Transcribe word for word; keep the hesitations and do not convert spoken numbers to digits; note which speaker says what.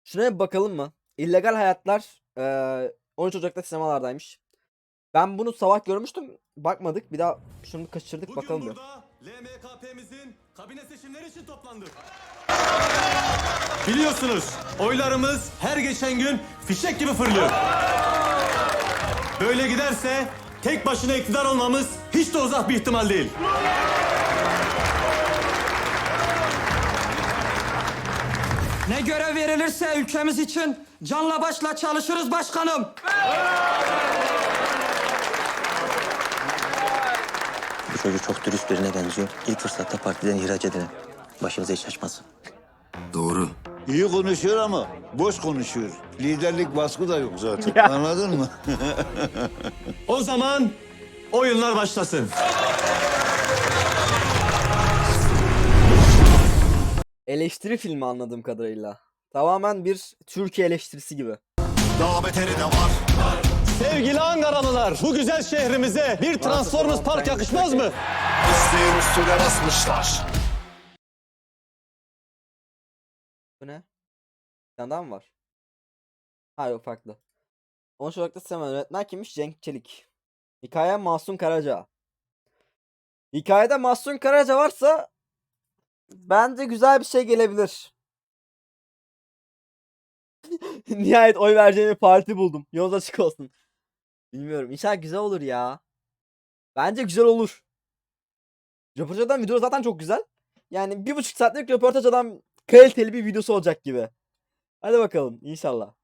Speaker 1: Şuna bir bakalım mı? İllegal Hayatlar eee on üç Ocak'ta sinemalardaymış. Ben bunu sabah görmüştüm. Bakmadık. Bir daha şunu kaçırdık,
Speaker 2: Bugün
Speaker 1: bakalım bir.
Speaker 2: burada L M K P'mizin kabine seçimleri için toplandık. Biliyorsunuz oylarımız her geçen gün fişek gibi fırlıyor. Böyle giderse tek başına iktidar olmamız hiç de uzak bir ihtimal değil.
Speaker 3: Ne görev verilirse ülkemiz için canla başla çalışırız başkanım.
Speaker 4: Bu çocuk çok dürüst birine benziyor. İlk fırsatta partiden ihraç edilen. Başımıza iş açmasın.
Speaker 5: Doğru.
Speaker 6: İyi konuşuyor ama boş konuşuyor. Liderlik vasfı da yok zaten. Anladın mı?
Speaker 2: O zaman oyunlar başlasın.
Speaker 1: Eleştiri filmi anladığım kadarıyla. Tamamen bir Türkiye eleştirisi gibi.
Speaker 5: Daha beteri de var.
Speaker 2: Sevgili Ankaralılar, bu güzel şehrimize bir Transformers Park yakışmaz mı?
Speaker 5: İsteğin üstüne basmışlar.
Speaker 1: Bu ne? Bir tane daha mı var? Ha yok, farklı. on üç Ocak'ta sinema yönetmen kimmiş? Cenk Çelik. Hikaye Mahsun Karaca. Hikayede Mahsun Karaca varsa bence güzel bir şey gelebilir. Nihayet oy vereceğim bir parti buldum. Yolunuz açık olsun. Bilmiyorum. İnşallah güzel olur ya. Bence güzel olur. Röportaj adam video zaten çok güzel. Yani bir buçuk saatlik röportaj adam kaliteli bir videosu olacak gibi. Hadi bakalım inşallah.